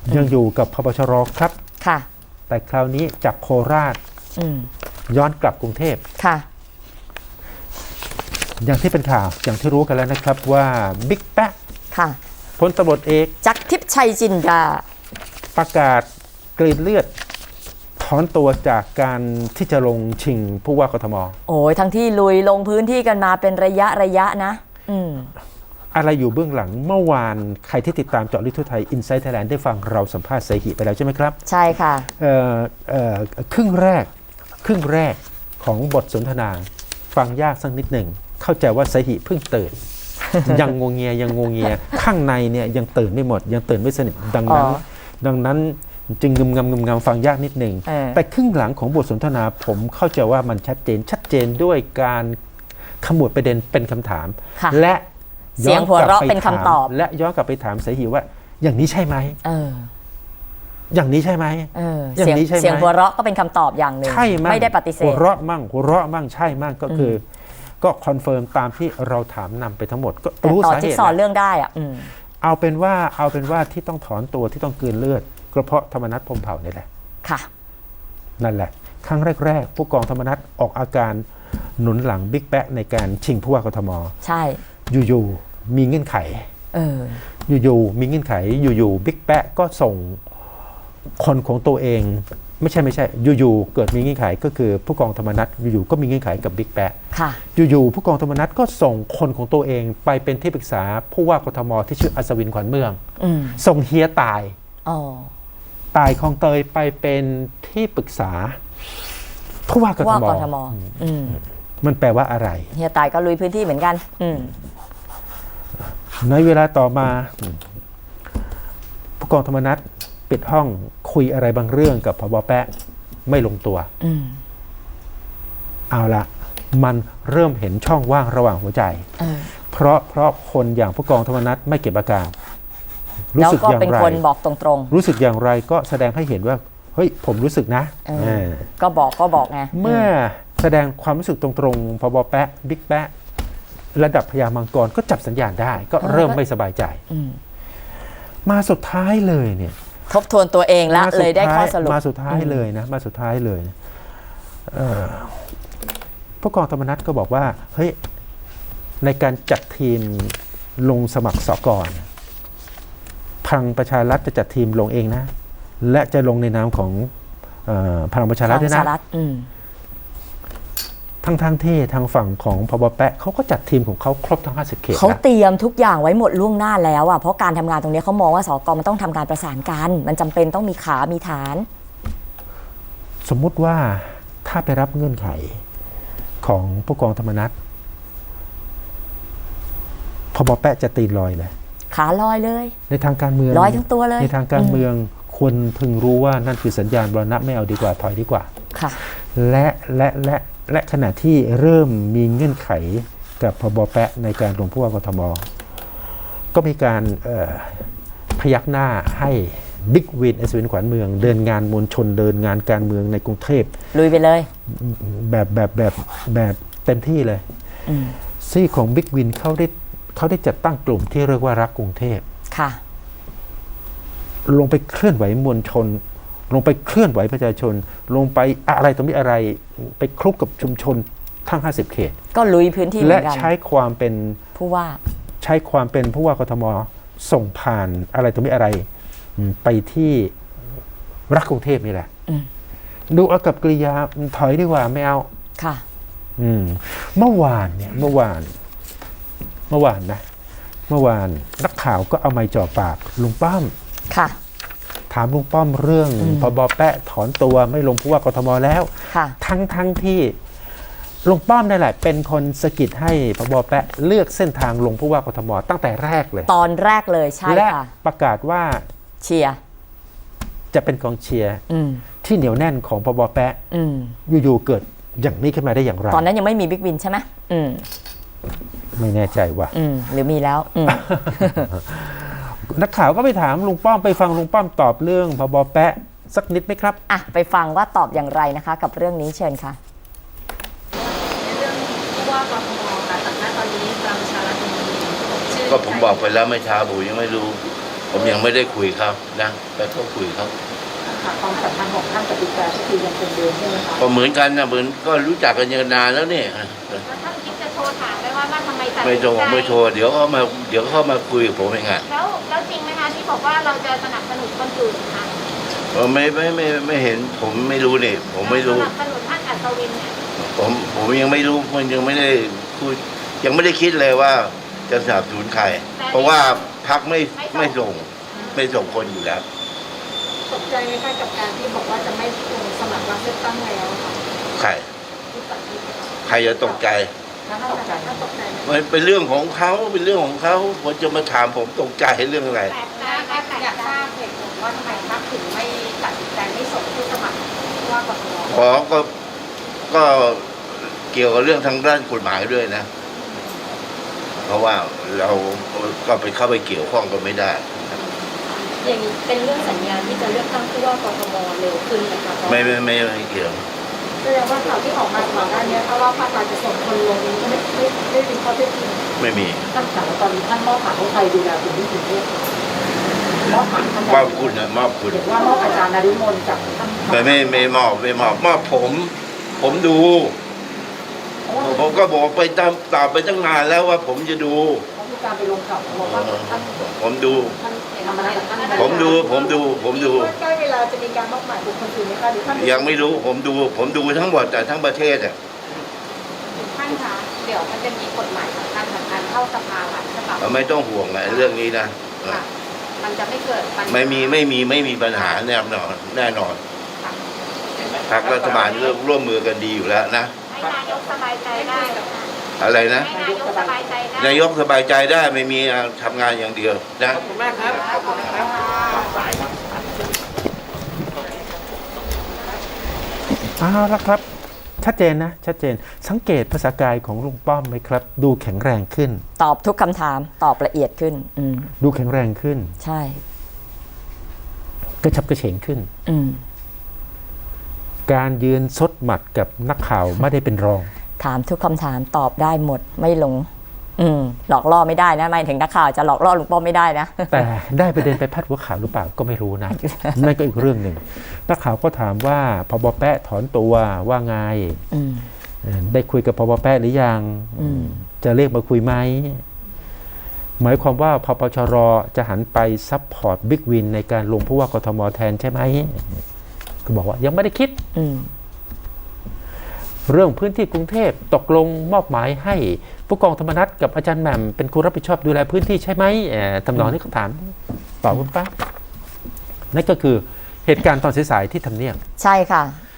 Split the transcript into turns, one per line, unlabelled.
ยังอยู่กับพบชรครับ
ค่ะ
แต่คราวนี้จากโคราชย้อนกลับกรุงเทพ
ค่ะ
อย่างที่เป็นข่าวอย่างที่รู้กันแล้วนะครับว่าบิ๊กแป๊ะ
ค่ะ
พลตำรวจเอก
จักรทิพย์ชัยจินดา
ประกาศกรีดเลือดถอนตัวจากการที่จะลงชิงผู้ว่ากทม
โอ้ยทั้งที่ลุยลงพื้นที่กันมาเป็นระยะนะ
อะไรอยู่เบื้องหลังเมื่อวานใครที่ติดตามเจาะลึกทั่วไทย Inside Thailand ได้ฟังเราสัมภาษณ์ไสหิไปแล้วใช่ไหมครับ
ใช่ค่ะ
ครึ่งแรกของบทสนทนาฟังยากสักนิดหนึ่งเข้าใจว่าไสหิเพิ่งตื่น ยังงงเงียข้างในเนี่ยยังตื่นไม่หมดยังตื่นไม่สนิทดังนั้นจึงงึมฟังยากนิดหนึ่งแต่ครึ่งหลังของบทสนทนาผมเข้าใจว่ามันชัดเจนด้วยการขมวดประเด็นเป็นคำถามและ
เสียงหัวเราะเป็นคำตอบ
และย้อนกลับไปถามไสหิว่าอย่างนี้ใช่ไหมอย่างนี้ใช่ไหม
อย่างนี้ใช่ไหมเสียงหัวเราะก็เป็นคำตอบอย่างหนึ่ง
ใช่มั้ง
ไม่ได้ปฏิเสธ
หัวเราะมั่งใช่มั่งก็คือก็คอนเฟิร์มตามที่เราถามนำไปทั้งหมดก็รู้สาเหตุ
สอนเรื่องได้อะ
เอาเป็นว่าที่ต้องถอนตัวที่ต้องกลืนเลือดก็เพราะธรรมนัสพรหมเผ่านี่แหละ
ค่ะ
นั่นแหละครั้งแรกผู้กองธรรมนัสออกอาการหนุนหลังบิ๊กแป๊ะในการชิงผู้ว่ากทม
ใช่
อยู่ๆมีเงื่อนไขอยู่ๆมีเงื่อนไขอยู่ๆบิ๊กแป๊ะก็ส่งคนของตัวเองไม่ใช่อยู่ๆเกิดมีเงื่อนไขก็คือผู้กองธรรมนัสอยู่ๆก็มีเงื่อนไขกับบิ๊กแป๊ะอยู่ๆผู้กองธรรมนัสก็ส่งคนของตัวเองไปเป็นที่ปรึกษาผู้ว่ากทมที่ชื่ออัศวินขวัญเมืองส่งเฮียตายคลองเตยไปเป็นที่ปรึกษาผู้ว่ากทมมันแปลว่าอะไร
เฮียตายก็ลุยพื้นที่เหมือนกัน
ในเวลาต่อมาผู้กองธรรมนัสปิดห้องคุยอะไรบางเรื่องกับผบ.แป๊ะไม่ลงตัวเอาละมันเริ่มเห็นช่องว่างระหว่างหัวใจเพราะคนอย่างผู้กองธรรมนัสไม่เก็บอาการ
รู้สึกอย่างไรเป็นคนบอกตรง
ๆรู้สึกอย่างไรก็แสดงให้เห็นว่าเฮ้ยผมรู้สึกนะ
ก็บอกไง
เมื่อแสดงความรู้สึกตรงๆผบ.แป๊ะบิ๊กแป๊ะระดับพญามังกรก็จับสัญญาณได้ก็เริ่มไม่สบายใจมาสุดท้ายเลยเนี่ย
ทบทวนตัวเองแล้วเลยได้ข้อสรุป
มาสุดท้ายเลยผู้กองธรรมนัสก็บอกว่าเฮ้ยในการจัดทีมลงสมัครสกพลังประชารัฐจะจัดทีมลงเองนะและจะลงในนามของพลังประชารัฐด้วยนะทั้งที่ทางฝั่งของพบ.แป๊ะเขาก็จัดทีมของเขาครบทั้ง50 เขต
เขาเตรียมทุกอย่างไว้หมดล่วงหน้าแล้วอ่ะเพราะการทำงานตรงนี้เขามองว่าสก.มันต้องทำการประสานกันมันจำเป็นต้องมีขามีฐาน
สมมุติว่าถ้าไปรับเงื่อนไขของผู้กองธรรมนัสพบ.แป๊ะจะตีลอยเลย
ขาลอยเลย
ในทางการเมือง
ลอยทั้งตัวเลย
ในทางการเมืองควรพึงรู้ว่านั่นคือสัญญาณบรณะไม่เอาดีกว่าถอยดีกว่า
ค่ะ
และขณะที่เริ่มมีเงื่อนไขกับพบ.แป๊ะในการลงผู้ว่ากทมก็มีการพยักหน้าให้บิ๊กวินอัศวินขวัญเมืองเดินงานมวลชนเดินงานการเมืองในกรุงเทพ
ลุยไปเลย
แบบเต็มที่เลยซี่ของบิ๊กวินเขาได้จัดตั้งกลุ่มที่เรียกว่ารักกรุงเทพ
ค่ะ
ลงไปเคลื่อนไหวมวลชนลงไปเคลื่อนไหวประชาชนลงไปอะไรตรงนี้อะไรไปคลุกกับชุมชนทั้ง50 เขต
ก็ลุยพื้นที่
และใช้ความเป็น
ผู้ว่า
ผู้ว่ากทมส่งผ่านอะไรตรงนี้อะไรไปที่รักกรุงเทพนี่แหละดูเอากับกริยาถอยดีกว่าไม่เอา
ค่ะ
เมื่อวานนักข่าวก็เอาไมค์จ่อปากลุงป้อม
ค่ะ
ถามลุงป้อมเรื่องพบ.แป๊ะถอนตัวไม่ลงผู้ว่ากทมแล้วทั้งที่ลุงป้อมนั่นแหละเป็นคนสะกิดให้พบ.แป๊ะเลือกเส้นทางลงผู้ว่ากทมตั้งแต่แรกเลย
ตอนแรกเลยใช่ค่ะ
และประกาศว่า
เชียร์
จะเป็นกองเชียร์ที่เหนียวแน่นของพบ.แป๊ะอยู่ๆเกิดอย่างนี้ขึ้นมาได้อย่างไร
ตอนนั้นยังไม่มีบิ๊กวินใช่ไหม
ไม่แน่ใจว่า
หรือมีแล้ว
นักข่าวก็ไปถามลุงป้อมไปฟังลุงป้อมตอบเรื่องพบ.แป๊ะสักนิดไหมครับ
ไปฟังว่าตอบอย่างไรนะคะกับเรื่องนี้เชิญค่ะ
เรื่องผู้ว่ากทมค่ะแต่ณตอนนี้พลังประชารัฐมีชื่อ
ก็ผมบอกไปแล้วไม่ช้าผมยังไม่รู้ผมยังไม่ได้คุยครับนะแต่ก็คุยครับ
ค่ะความสัมพันธ์ของท่านกับบิ๊กแป๊ะก็คือยังเป็นเดิมใช่ไหมคะ
ก็เหมือนกันนะเหมือนก็รู้จักกันนานแล้วเนี่ย
แล้วท่านคิดจะโทรถามไหมว่าทำไมตัด
ไม่
สิน
โทร
ใจ
ไม่โทรเดี๋ยวเขามาคุยกับผมเองอะ
แล้วจริงไหมคะที่บอกว่าเราจะสนับสนุนคนอื่นคะ
ไม่เห็นผมไม่รู้นี่ผมไม่รู้
สนับสนุนท่านอัศวินเนี่ย
ผมยังไม่รู้มันยังไม่ได้พูดยังไม่ได้คิดเลยว่าจะสนับสนุนใคร เพราะว่าพรรคไม่ส่งคนอยู่แล้ว
ตกใจไหมคะกับการที่บอกว่าจะไม่ลงสมัครรับเลือกตั้งแล้วค่ะ
ใคร
ที่ตัดสินใจ
ใครจะตกใจ
ท่านตกใจไหม
มันเป็นเรื่องของเขาเป็นเรื่องของเขาผมจะมาถามผมตกใจเรื่องอะไร
แต่อยากทราบเหตุผลว่าทำไมพรรคถึงไม่ตัดสินใจไม่ส่งผู้สมัครผู้ว่ากทม
ขอก็เกี่ยวกับเรื่องทางด้านกฎหมายด้วยนะ เพราะว่าเราก็ไปเข้าไปเกี่ยวข้องกันไม่ได้
อย่างนี้เป็นเรื่องสัญญาณที่จะเลือกตั้งผู้ว่ากทมเร็วขึ้นนะคะ
ไม่เกี่ยว
แสดงว่าข่าวที่ออกมาก่อนหน้านี้ถ้าว่าภาครัฐจะส่งคนลงนี้ไม่เป็นข้อเท็จจริง
ไม่มี
ท่านถามตอนนี้ท่านมอบหมายให้ใครดูแลกลุ่มที่ถึงเทพมอบหมายท่าน
มอบคุณนะมอบคุณ
เห็นว่ามอบอาจารย์นฤมลกับท่าน
ไม่มอบผมดู ผมก็บอกไปตามไปตั้งนานแล้วว่าผมจะดู
เขามีการไปลงข่าวบอกว่าท่าน
ผมดู
ท่านธรรมนัสกับท่าน
ผมดู
ใกล้เวลาจะมีการมอบหมายบุคคลอื่นไหมคะหรือท่าน
ยังไม่รู้ผมดูทั้งหมดแต่ทั้งประเทศอ่ะ
ท่านคะเดี๋ยวมันจะมีกฎหมายสำคัญเข้าสภาหลายฉบับ
ไม่ต้องห่วงอะเรื่องนี้นะ
ค่ะมันจะไม่เกิดปัญหา
ไม่มีปัญหาแน่นอนพรรครัฐบาลร่วมมือกันดีอยู่แล้วนะ
ให้นายกสบายใจได้
อะไรนะ
ให้นายกสบายใจได้
นายกสบายใจได้ไม่มีทำงานอย่างเดียวนะ
ขอบคุณมากครับขอบคุณครับ
เอาละครับ ชัดเจนนะ ชัดเจนสังเกตภาษากายของลุงป้อมไหมครับ ดูแข็งแรงขึ้น
ตอบทุกคำถามตอบละเอียดขึ้น
ดูแข็งแรงขึ้น
ใช่
กระฉับกระเฉงขึ้น
อืม
การยืนซดหมัดกับนักข่าวไม่ได้เป็นรอง
ถามทุกคำถามตอบได้หมดไม่หลง หลอกล่อไม่ได้นะหมายถึงนักข่าวจะหลอกล่อลุงป้อมไม่ได้นะ
แต่ได้ประเด็นไปพาดหัวข่าวหรือเปล่าก็ไม่รู้นะ นั่นก็อีกเรื่องหนึ่งนักข่าวก็ถามว่าพบแปะถอนตัวว่าไง ได้คุยกับพบแปะหรือยัง จะเรียกมาคุยไหม หมายความว่าพปชรจะหันไปซัพพอร์ตบิ๊กวินในการลงผู้ว่ากทมแทนใช่ไหมก็บอกว่ายังไม่ได้คิด เรื่องพื้นที่กรุงเทพตกลงมอบหมายให้ผู้กองธรรมนัฐกับอาจารย์แหม่มเป็นคนรับผิดชอบดูแลพื้นที่ใช่ไหมทำนองนี้เขาถามตอบคุณป้านั่นก็คือเหตุการณ์ตอนสายๆที่ทำเนียบ
ใช่ค่ะ